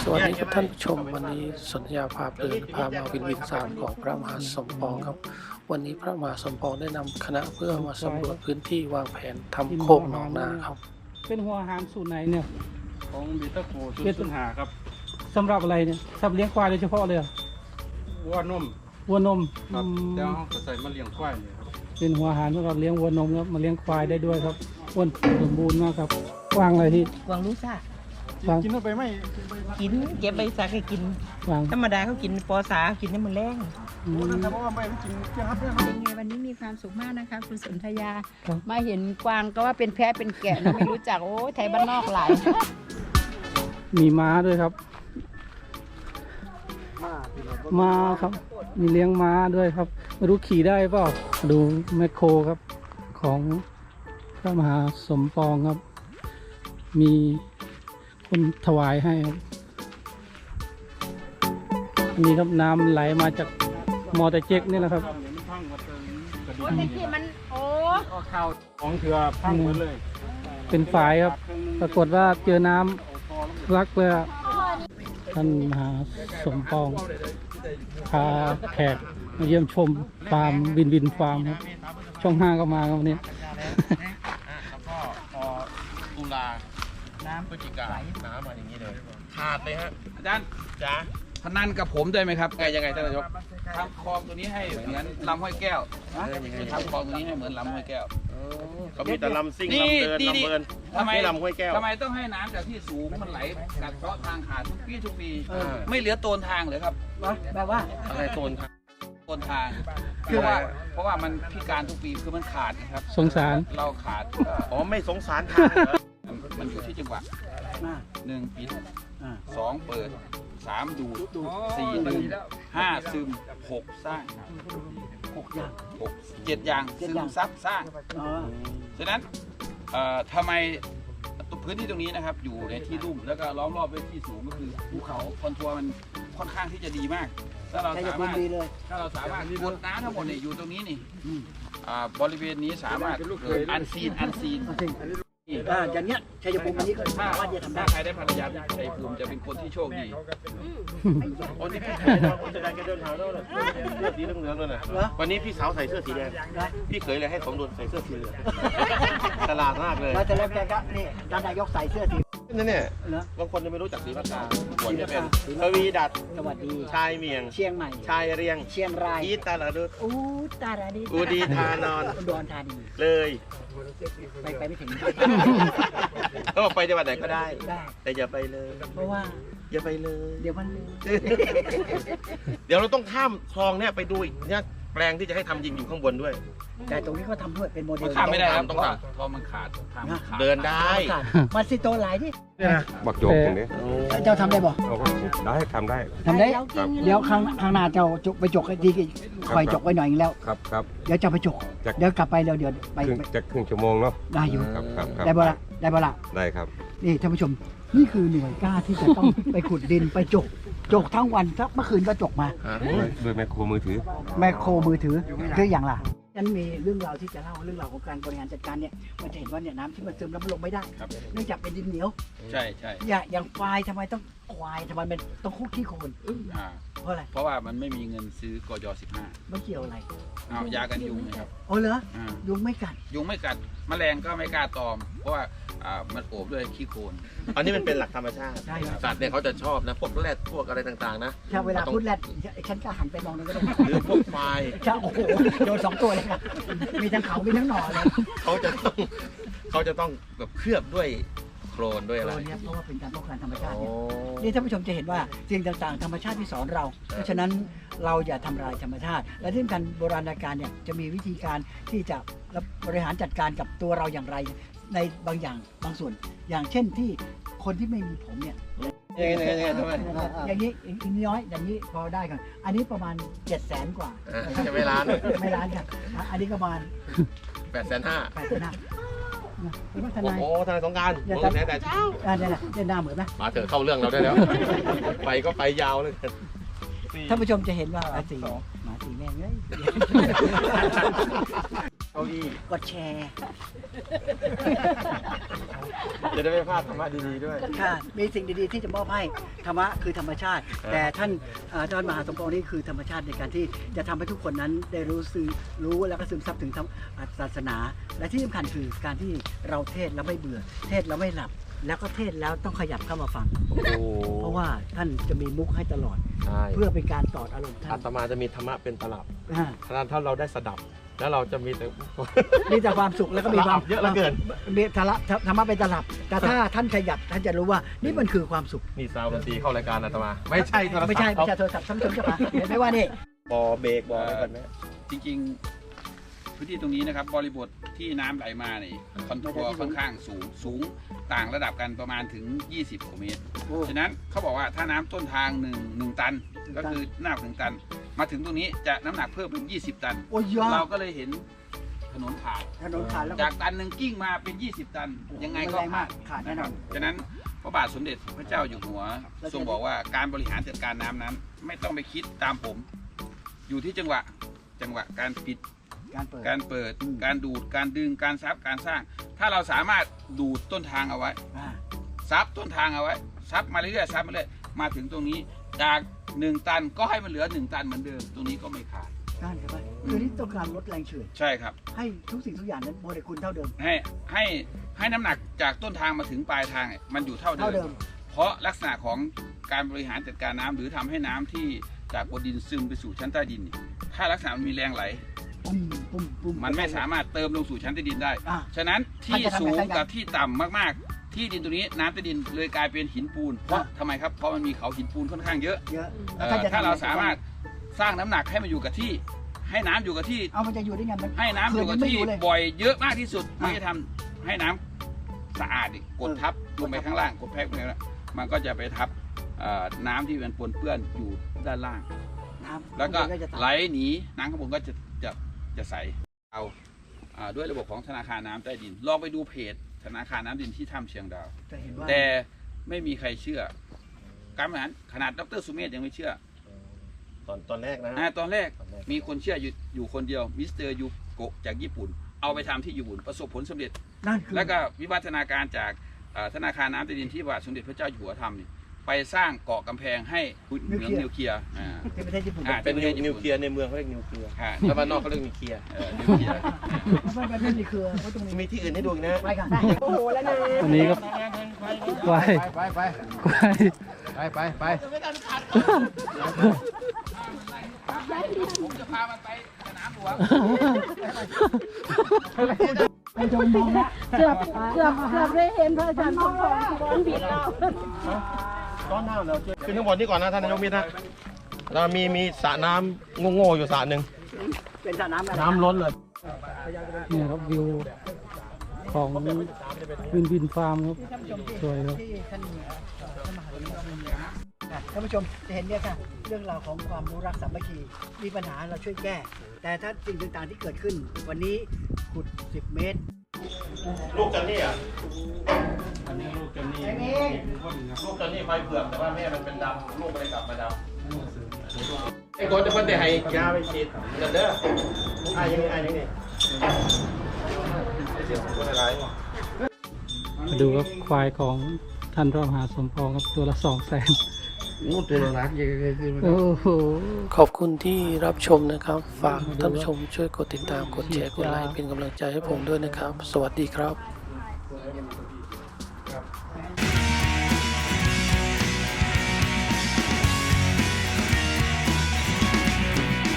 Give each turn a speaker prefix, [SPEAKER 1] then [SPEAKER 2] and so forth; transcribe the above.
[SPEAKER 1] สวัสดีครับท่านผู้ชมวันนี้สนธยาพาเพลินพามาวินสามของพระมหาสมปองครับวันนี้พระมหาสมปองได้นำคณะเพื่อมาสำรวจพื้นที่วางแผนทำโคกหนองนาครับ
[SPEAKER 2] เป็นหัวอาหารสูตรไหนเนี่ย
[SPEAKER 3] ของบีตาโคสูตรหาครับ
[SPEAKER 2] สำหรับอะไรเนี่ยสำหรับเลี้ยงควายโดยเฉพาะเลยเหรอ
[SPEAKER 3] วัวนม
[SPEAKER 2] วัวนม
[SPEAKER 3] ครับเดี๋ยวเราจะใส่มาเลี้ยงควายเนี่ยครับ
[SPEAKER 2] เป็นหัวอาหารสำหรับเลี้ยงวัวนมครับมาเลี้ยงควายได้ด้วยครับอ้วนสมบูรณ์มากครับวางอะไรที่
[SPEAKER 4] วางลูกซ่าว
[SPEAKER 2] าง
[SPEAKER 3] กินเข้าไปไหม
[SPEAKER 4] กินเก็บใบสักให้กิน
[SPEAKER 2] วาง
[SPEAKER 4] ธรรมดาเขากินปอสากินนี่มันแรง
[SPEAKER 2] อืม
[SPEAKER 3] เพราะว่าไม่กินเกี่ยวกับเรื่อง
[SPEAKER 5] เป็นไงวันนี้มีความสุขมากนะคะคุณสนธยา มาเห็นกวางก็ว่าเป็นแพะเป็นแกะนะไม่รู้จักโอ้ยไทยบ้านนอกหลาย
[SPEAKER 2] มีม้าด้วยครับม้าครับ มีเลี้ยงม้าด้วยครับไม่รู้ขี่ได้เปล่าดูแมคโครครับของพระมหาสมปองครับ มีคนถวายให้ครับอันนี้ครับน้ำไหลมาจากมอเตอร์เจ็กนี่แหละครับ
[SPEAKER 3] พังหมดเลยกระดู
[SPEAKER 5] โอ้
[SPEAKER 3] ก
[SPEAKER 5] แต่ที่มันโอ้
[SPEAKER 3] ก็ข้าวของเถื่อพังหมดเลย
[SPEAKER 2] เป็นฝายครับ ปรากฏว่าเจอน้ำรักเลยอะท่านมหาสมปองพาแขกมาเยี่ยมชมฟาร์มวินฟาร์มครับช่อง5ก็มาครับวันนี้
[SPEAKER 6] แล้วก็พอตุลาน้ำพฤศจิกาน้ำมาอย่างนี้เลยขาดเลยฮะ
[SPEAKER 7] อาจารย์
[SPEAKER 6] จ้า
[SPEAKER 7] พนันกับผมได้ไหมครับ
[SPEAKER 6] ยังไงท่านนายก
[SPEAKER 7] ทำคลองตัวนี้ให้เหมือนลำห้วยแก้วจะทำคลองตัวนี้ให้เหมือนลำห้วยแก้ว
[SPEAKER 6] เขามีแต่ลำซิ่ง
[SPEAKER 7] นี่
[SPEAKER 6] ลำเดิน
[SPEAKER 7] นี่
[SPEAKER 6] ลำเบิร์น
[SPEAKER 7] ทำไม
[SPEAKER 6] ไม่ลำห้วยแก้ว
[SPEAKER 7] ทำไมต้องให้น้ำจากที่สูงมันไหลกัดเซาะทางขาดทุกปี
[SPEAKER 6] เออ
[SPEAKER 7] ไม่เหลือโตนทางเลยครับ
[SPEAKER 4] แบบว่า
[SPEAKER 6] อะไรโซนครับ
[SPEAKER 7] โตนทางเพราะว่ามันพิการทุกปีคือมันขาดนะครับ
[SPEAKER 2] สงสาร
[SPEAKER 7] เราขาด
[SPEAKER 6] อ๋อไม่สงสารทางเหรอ
[SPEAKER 7] มันอยู่ที่จังหวะ1ปิด2เปิด3ดูด4ดึง5ซึม6สร้าง6อย่าง7อย่างซึมซับสร้างฉะนั้นทำไมพื้นที่ตรงนี้นะครับอยู่ในที่ลุ่มแล้วก็ล้อมรอบด้วยที่สูงก็คือภูเขาคอนทัวร์มันค่อนข้างที่จะดีมากถ้าเราสามารถกดน้ำทั้งหมดเนี่ยอยู่ตรงนี้นี่บริเวณนี้สามารถเกิดอันซีน
[SPEAKER 4] อย่างเนี้ยชัยภูมิอันนี้ก็
[SPEAKER 7] ถ้า
[SPEAKER 4] สามารถจะทำได้
[SPEAKER 7] ใครได้ภรรยาที่ชัยภูมิจะเป็นคนที่โชคดี
[SPEAKER 6] โอ้นี่พี่เคยนะคนจะได้แกเดินหาแล้วเลยเสื้อสีเหลืองๆเลยนะวันนี้พี่สาวใส่เสื้อสีแดงพี่เคยเลยให้สมดุลใส่เสื้อสีเหลืองตลาดมากเลย
[SPEAKER 4] แล้วแต่แล้วแกก็นี่ท่านนายกใส่เสื้อสี
[SPEAKER 6] นั่นเนี่ย
[SPEAKER 4] เหรอบ
[SPEAKER 6] างคนยังไม่รู้จักสีภาษาควรจะเป็นทวีดัด
[SPEAKER 4] สวัสดี
[SPEAKER 6] ชายเมียง
[SPEAKER 4] เชียงใหม่
[SPEAKER 6] ชายเรียง
[SPEAKER 4] เชียงราย
[SPEAKER 6] อีตาลาดุด
[SPEAKER 4] อู้ตาดาดี
[SPEAKER 6] อูดีทานอน
[SPEAKER 4] อุดรธานี
[SPEAKER 6] เลย
[SPEAKER 4] ไปไม่ถึง
[SPEAKER 6] ก็ไปจังหวัดไหนก็ได้
[SPEAKER 4] ได้
[SPEAKER 6] แต่อย่าไปเลย
[SPEAKER 4] เพราะว่า
[SPEAKER 6] อย่าไปเลย
[SPEAKER 4] เดี๋ยวมัน
[SPEAKER 6] เดี๋ยวเราต้องข้ามคลองเนี่ยไปดูอีกเนี่ยแปลงที่จะให้ทำยิงอยู่ข้างบนด้วย
[SPEAKER 4] แต่ตรงนี้เขาทำด้วยเป็นโมเดล
[SPEAKER 7] ข้ามไม่ได้ครับ
[SPEAKER 6] ต้องทำ
[SPEAKER 7] เพราะมันขาดทางมันขาด
[SPEAKER 6] เดินได้
[SPEAKER 4] มันสิโตหลายที่
[SPEAKER 8] บักโจกอย่างนี้
[SPEAKER 4] เจ้าทำได้บ่
[SPEAKER 8] เราก็ได้ทำได้
[SPEAKER 4] ทำได้
[SPEAKER 8] ครับ
[SPEAKER 4] เดี๋ยวข้างหน้าเจ้าจกไปจกให้ดีคอยจกไว้หน่อยนึงแล้ว
[SPEAKER 8] ครับครับ
[SPEAKER 4] เดี๋ยวจะไปจก เดี๋ยวกลับไปเดี๋ยวไป
[SPEAKER 8] ครึ่งชั่วโมงเนาะ
[SPEAKER 4] ได้อยู่
[SPEAKER 8] ครับครับครับ
[SPEAKER 4] ได้บ่ละได้บ่ละ
[SPEAKER 8] ได้ครับ
[SPEAKER 4] นี่ท่านผู้ชม นี่คือหน่วยกล้าที่จะต้อง ไปขุดดินไปจกทั้งวันสักเมื่อคืนก็จกมา
[SPEAKER 8] ด้วยแมคโครมือถือ
[SPEAKER 4] แมคโครมือถือคืออย่างล่ะฉันมีเรื่องราวที่จะเล่าเรื่องราวของการบริหารจัดการเนี่ยมันจะเห็นว่าเนี่ยน้ำที่มันซึมแล้วมันลงไม่ได้
[SPEAKER 7] ครับ
[SPEAKER 4] เนื่องจากเป็นดินเหนียว
[SPEAKER 7] ใช่ใช่
[SPEAKER 4] อย่างควายทำไมต้องควายทำไมมันต้องคุกขี้โคลน
[SPEAKER 7] อ่า
[SPEAKER 4] เพราะอะไร
[SPEAKER 7] เพราะว่ามันไม่มีเงินซื้อกย
[SPEAKER 4] ไม่เกี่ยวอะไร
[SPEAKER 7] 15เอายากันยุงนะครับ
[SPEAKER 4] โอ้เหรอ
[SPEAKER 7] อ่า
[SPEAKER 4] ยุงไม่กัด
[SPEAKER 7] ยุงไม่กัดแมลงก็ไม่กล้าตอม เพราะว่ามันโอบด้วยขี้โคลน
[SPEAKER 6] อันนี้มันเป็นหลักธรรมชาติ
[SPEAKER 4] ใช่ครับ
[SPEAKER 6] สัตว์เนี่ยเขาจะชอบนะพวกแรดพวกอะไรต่างๆนะ
[SPEAKER 4] ถ้าเวลาพูดแรดฉันก็หันไปมองนั่นก็ได้
[SPEAKER 6] หรือพวกควาย
[SPEAKER 4] ใช่โอ้โหโดน2 ตัวเลยครับมีทั้งเขามีทั้งหน่อเลย
[SPEAKER 6] เขาจะต้องแบบเคลือบด้วยโคลนด้วยอะไร
[SPEAKER 4] ตัวเนี้ยเพราะว่าเป็นการป้องกันธรรมชาติ
[SPEAKER 6] โอ้
[SPEAKER 4] เนี่ยนี่ท่านผู้ชมจะเห็นว่าสิ่งต่างๆธรรมชาติที่สอนเรา เพราะฉะนั้นเราอย่าทำลายธรรมชาติ และที่สำคัญโบราณกาลเนี่ยจะมีวิธีการที่จะบริหารจัดการกับตัวเราอย่างไรในบางอย่างบางส่วน อย่างเช่นที่คนที่ไม่มีผมเนี่ย
[SPEAKER 6] ทำไม
[SPEAKER 4] อย่างนี้อีกน้อยอย่างนี้พอได้กันอันนี้ประมาณ700,000 กว่า
[SPEAKER 6] จะไม่ร้าน
[SPEAKER 4] ไม่ล้านครับอันนี้ก็ประมาณ
[SPEAKER 6] 850,000
[SPEAKER 4] 8,500นะเป็นวัฒ
[SPEAKER 6] โอ้
[SPEAKER 4] นาย
[SPEAKER 6] โหทนายสงกรารผมแพ้แต่เช้า
[SPEAKER 4] เนี่ยหน้าเหมือนไหม
[SPEAKER 6] มาเถอะเข้าเรื่องเราได้แล้ว ไปก็ไปยาวเลย
[SPEAKER 4] ท่านผู้ชมจะเห็นว่าหมาสีแม่งเลย
[SPEAKER 6] เก้าอี้
[SPEAKER 4] กดแชร์
[SPEAKER 6] จะได้ไม่พลาดธรรมะดีๆด้วย
[SPEAKER 4] ค่ะมีสิ่งดีๆที่จะมอบให้ธรรมะคือธรรมชาติ แต่ท่านมหาสมปองนี่คือธรรมชาติในการที่จะทำให้ทุกคนนั้นได้รู้แล้วก็ซึมซับถึงศาสนา และที่สำคัญคือการที่เราเทศแล้วไม่เบื่อ เทศแล้วไม่หลับ แล้วก็เทศแล้วต้องขยับเข้ามาฟัง เพราะว่าท่านจะมีมุกให้ตลอด
[SPEAKER 6] ใช่
[SPEAKER 4] เพื่อเป็นการตอดอารมณ์ท่า
[SPEAKER 6] อาน ตมาจะมีธรรมะเป็นตลับ
[SPEAKER 4] อ่า
[SPEAKER 6] ถ้าเราได้สดับ แล้วเราจะมีแต่
[SPEAKER 4] มีแต่ความสุขแล้วก็มีความ
[SPEAKER 6] เยอะเหลือเกิน
[SPEAKER 4] มีธรรมะเป็นตลับ แต่ถ้าท่านขยับท่านจะรู้ว่านี่มันคือความสุข
[SPEAKER 6] นี่ซาวด์ดนตรีเข้ารายการอาตมา ไม่ใช่โทรศัพท์
[SPEAKER 4] ไม่ใช่โทรศัพท์ท่านผู้ชมเจ้าค่ะเห็นไหมว่านี่
[SPEAKER 6] บอเบรกบออะไรกันไหม
[SPEAKER 7] จริงๆ พื้นที่ตรงนี้นะครับบริบทที่น้ำไหลมานี่คอนทัวร์ค่อนข้างสูงต่างระดับกันประมาณถึง 20 กว่าเมตร ฉะนั้นเขาบอกว่าถ้าน้ำต้นทาง1ตัน ก็คือน้ำ1 ตัน มาถึงตรงนี้จะน้ำหนักเพิ่มเป็น 20 ตัน
[SPEAKER 4] โอ้ยยอ
[SPEAKER 7] เรา
[SPEAKER 4] ด
[SPEAKER 7] ก็เลยเห็นถนนขาด
[SPEAKER 4] ถนนขาดแล้ว
[SPEAKER 7] จากตันหนึ่งกิ้งมาเป็น 20 ตัน ยังไงก็
[SPEAKER 4] แรงมากขาดแน่นอน
[SPEAKER 7] ฉะนั้นพระบาทสมเด็จพระเจ้าอยู่หัวทรงบอกว่าการบริหารจัดการน้ำนั้น ไม่ต้องไปคิดตามผม อยู่ที่จังหวะการปิด
[SPEAKER 4] การเปิด
[SPEAKER 7] การดูดการดึงการซับการสร้าง ถ้าเราสามารถดูดต้นทางเอาไว้
[SPEAKER 4] อ่า
[SPEAKER 7] ซับต้นทางเอาไว้ซับมาเรื่อยๆซับมาเรื่อยมาถึงตรงนี้จาก1 ตันก็ให้มันเหลือ1 ตันเหมือนเดิมตรงนี้ก็ไม่ขาด
[SPEAKER 4] นั่นใช่ไหมคือนี่ต้องการลดแรงเฉื่อย
[SPEAKER 7] ใช่ครับ
[SPEAKER 4] ให้ทุกสิ่งทุกอย่างนั้นโมเลกุลเท่าเดิม
[SPEAKER 7] ให้น้ำหนักจากต้นทางมาถึงปลายทางเนี่ยมันอยู่เท่าเดิม เพราะลักษณะของการบริหารจัดการน้ำหรือทำให้น้ำที่จากบนดินซึมไปสู่ชั้นใต้ดินเนี่ยถ้าลักษณะมันมีแรงไหล
[SPEAKER 4] ปุ้ม
[SPEAKER 7] มันไม่สามารถเติมลงสู่ชั้นใต้ดินได้
[SPEAKER 4] อ่า
[SPEAKER 7] ฉะนั้นที่
[SPEAKER 4] มันจะทำ
[SPEAKER 7] สูง
[SPEAKER 4] ให้
[SPEAKER 7] กับที่ต่ำมากๆ ที่ดินตรงนี้น้ำใต้ดินเลยกลายเป็นหินปูน เพราะทำไมครับ เพราะมันมีเขาหินปูนค่อนข้างเยอะ
[SPEAKER 4] เยอะ
[SPEAKER 7] ถ้าเราสามารถสร้างน้ำหนักให้มันอยู่กับที่ ให้น้ำอยู่กับที่
[SPEAKER 4] เอามันจะอยู่ได้ไงมัน
[SPEAKER 7] ให้น้ำอยู่กับที่
[SPEAKER 4] เคยไม่รู้เลย
[SPEAKER 7] บ่อยเยอะมากที่สุด
[SPEAKER 4] อ่า
[SPEAKER 7] ไม่ได้ทำให้น้ำสะอาดอีกกดทับลงไปข้างล่างกดแพ็กลงไปข้างล่างมันก็จะไปทับน้ำที่มันปนเปื้อนอยู่ด้านล่าง
[SPEAKER 4] น้ำ
[SPEAKER 7] แล้วก็
[SPEAKER 4] มันจะ
[SPEAKER 7] ไหลหนีน้ำข้างบนก็จะใสเอาด้วยระบบของธนาคารน้ำใต้ดินลองไปดูเพจธนาคารน้ำดินที่ถ้ำเชียงดาว
[SPEAKER 4] จะเห็นว่า
[SPEAKER 7] แต่ไม่มีใครเชื่อ การบริหารขนาดดรสุเมธยังไม่เชื่อ
[SPEAKER 6] ตอนแรกนะ
[SPEAKER 7] ตอนแรกมีคนเชื่ออยู่คนเดียวมิสเตอร์ยูโกะจากญี่ปุ่น เอาไปทำที่ญี่ปุ่นประสบผลสำเร็จ
[SPEAKER 4] นั่นคือ
[SPEAKER 7] แล้วก็วิวัฒนาการจากธนาคารน้ำใต้ดินที่พระบาทสมเด็จพระเจ้าอยู่หัวทำนี่ไปสร้างเกาะกำแพงให้เหมืองนิวเคลียร์
[SPEAKER 4] ที่ประเทศญี่ปุ่น
[SPEAKER 6] เป็นนิวเคลียร์ในเมืองเขาเรียกนิวเคลียร์
[SPEAKER 7] อ่า
[SPEAKER 6] แล้วบ้านนอกเขาเรียกนิวเคลียร์
[SPEAKER 7] นิวเคลียร์
[SPEAKER 4] ไม่มีเครือไว้ตรงนี้
[SPEAKER 6] มีที่อื่นให้ดูอีกนะ
[SPEAKER 4] ไปกัน
[SPEAKER 2] วันนี้ก็ควายควาย
[SPEAKER 7] ผมจะพามันไปสนามหลวง
[SPEAKER 4] ไปชมมองนะ
[SPEAKER 5] เกือบได้เห็นพระอาจารย์สมปองที่บ้านบิดเรา
[SPEAKER 6] ตอนหน้าเราขึ้นข้างบนนี่ก่อนนะท่านนายกมิตรนะเรามีสระน้ำโง่ๆอยู่สระหนึ่ง
[SPEAKER 4] เป็นสระน้ำอะไร
[SPEAKER 6] น้ำล้นเลย
[SPEAKER 2] เนี่ยครับวิวของวินฟาร์มครับสวยครับ
[SPEAKER 4] ที่ท่านท่านผู้ชมจะเห็นเนี่ยค่ะเรื่องราวของความรู้รักสามัคคีมีปัญหาเราช่วยแก้ แต่ถ้าสิ่งต่างๆที่เกิดขึ้น วันนี้ขุด 10 เมตร
[SPEAKER 6] ลูกจันนี่อ่ะ
[SPEAKER 3] อันนี้ลูกจะนี่
[SPEAKER 6] ลูกจันนี่ไฟเผือกแต่ว่าแม่มันเป็นดำลูกมันเลยกลับมาดำไอ้คนจะเพิ่นได้ให้ยาไปฉีดกันเด้อไอ้ยังนี่ไอ้เสียงคนอะไร
[SPEAKER 2] มาดูครับควายของท่านรองมหาสมปองครับตัวละ200,000
[SPEAKER 6] งูตัวรักยังไงคือ
[SPEAKER 2] โอ้โห
[SPEAKER 1] ขอบคุณที่รับชมนะครับ ฝากท่านผู้ชมช่วยกดติดตาม กดแชร์ กดไลค์เป็นกำลังใจให้ผมด้วยนะครับ สวัสดีครับ